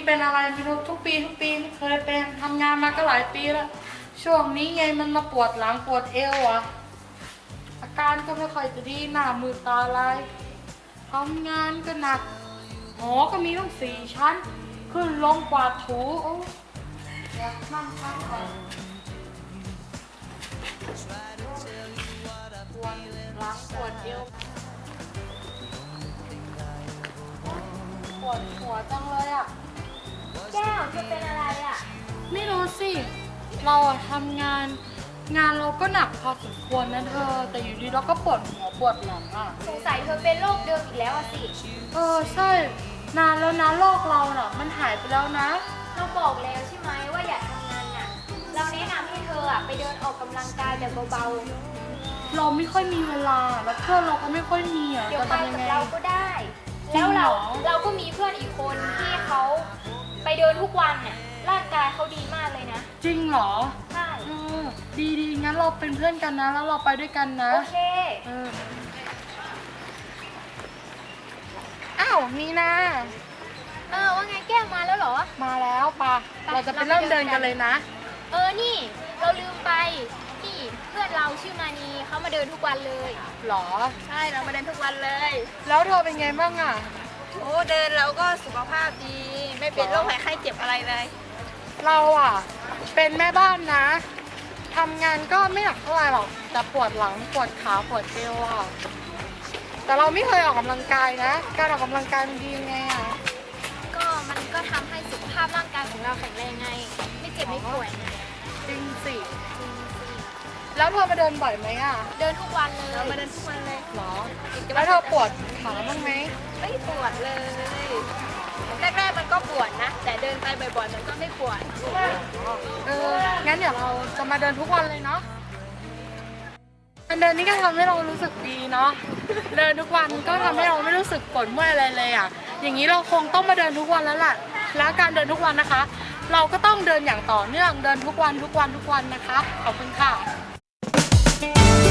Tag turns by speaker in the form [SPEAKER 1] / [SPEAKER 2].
[SPEAKER 1] เป็นอะไรไม่รู้ทุกปีไม่เคยเป็นทำงานมาก็หลายปีแล้วช่วงนี้ไงมันมาปวดหลังปวดเอวอ่ะอาการก็ไม่ค่อยจะดีหน้ามือตาลายทำงานก็หนักหอก็มีต้อง4 ชั้นขึ้นลงกวาดถูโอ้อยากนั่งพักก่อนปวดหลังปวดเอวปวดหัวจังเลยอ่ะ
[SPEAKER 2] แก้วเธอเป็นอะไรอ่ะ
[SPEAKER 1] ไม่รู้สิ เราอะทำงานเราก็หนักพอสมควรนะเธอ แต่อยู่ดีเราก็ปวดหัวปวดหลังอ่ะ
[SPEAKER 2] สงสัยเธอเป็นโรคเดิมอีกแล้วอะสิ
[SPEAKER 1] ใช่ นานแล้วนะโรคเราน่ะ มันหายไปแล้วนะ
[SPEAKER 2] เราบอกแล้วใช่ไหมว่าอย่าทำงานหนักเราแนะนำให้เธออะไปเดินออกกำลังกายแบบเบา
[SPEAKER 1] เราไม่ค่อยมีเวลา แล้วเพื่อนเราก็ไม่ค่อยมีอ่ะ
[SPEAKER 2] ๆ เดี๋ยว
[SPEAKER 1] จะ
[SPEAKER 2] ไป
[SPEAKER 1] ทำยัง
[SPEAKER 2] กับ
[SPEAKER 1] ไง
[SPEAKER 2] เราก็ได้
[SPEAKER 1] จริ
[SPEAKER 2] แล้
[SPEAKER 1] ง
[SPEAKER 2] ว
[SPEAKER 1] เหรอ
[SPEAKER 2] เราก็มีเพื่อนอีกคนที่เขาไปเดินทุกวันน่ะร่างกายเขาดีมากเลยนะ
[SPEAKER 1] จริงเหรอ
[SPEAKER 2] ใช่
[SPEAKER 1] ดีงั้นเราเป็นเพื่อนกันนะ แล้วเราไปด้วยกันนะ
[SPEAKER 2] โอเค
[SPEAKER 1] อ้าวมีนา
[SPEAKER 2] ว่าไงแก้วมาแล้วเหรอ
[SPEAKER 1] มาแล้วปะ
[SPEAKER 2] ไป
[SPEAKER 1] เราจะไปเริ่มเดินกันเลยนะ
[SPEAKER 2] นี่เราลืมไปนี่เพื่อนเราชื่อมานีเขามาเดินทุกวันเลย
[SPEAKER 1] หรอ
[SPEAKER 2] ใช่เรามาเดินทุกวันเลย
[SPEAKER 1] แล้วเธอเป็นไงบ้างอ่ะ
[SPEAKER 3] โอ้เดินแล้วก็สุขภาพดี ไม่เป็นโรคภัยไข้เจ็บอะไรเลย
[SPEAKER 1] เราอ่ะ เป็นแม่บ้านนะทำงานก็ไม่หนักเท่าไหร่หรอกแต่ปวดหลังปวดขาปวดเอวอ่ะแต่เราไม่เคยออกกำลังกายนะ การออกกำลังกายมันดียังไงอ่ะ
[SPEAKER 2] มันก็ทำให้สุขภาพร่างกายของเราแข็งแรงไง ไม่เจ็บไม่ป่วยไง
[SPEAKER 1] จริงสิ แล้วเธอมาเดินบ่อยไหมอ่ะ
[SPEAKER 2] เดินทุกวันเลย
[SPEAKER 3] เรามาเดินทุกวันเลย
[SPEAKER 1] หรอแล้วเธอปวดขาบ้างไหม
[SPEAKER 3] ไม่ปวดเลย แรกๆมันก็ปวดนะ แต่เดินไปบ่อยๆมันก็ไม่ปวด
[SPEAKER 1] งั้นเดี๋ยวเราจะมาเดินทุกวันเลยเนาะการเดินนี่ก็ทำให้เรารู้สึกดีเนาะเดินทุกวันก็ทำให้เราไม่รู้สึกปวดเมื่อยอะไรเลยอ่ะอย่างนี้เราคงต้องมาเดินทุกวันแล้วแหละแล้วการเดินทุกวันนะคะ เราก็ต้องเดินอย่างต่อเนื่องเดินทุกวันนะคะขอบคุณค่ะ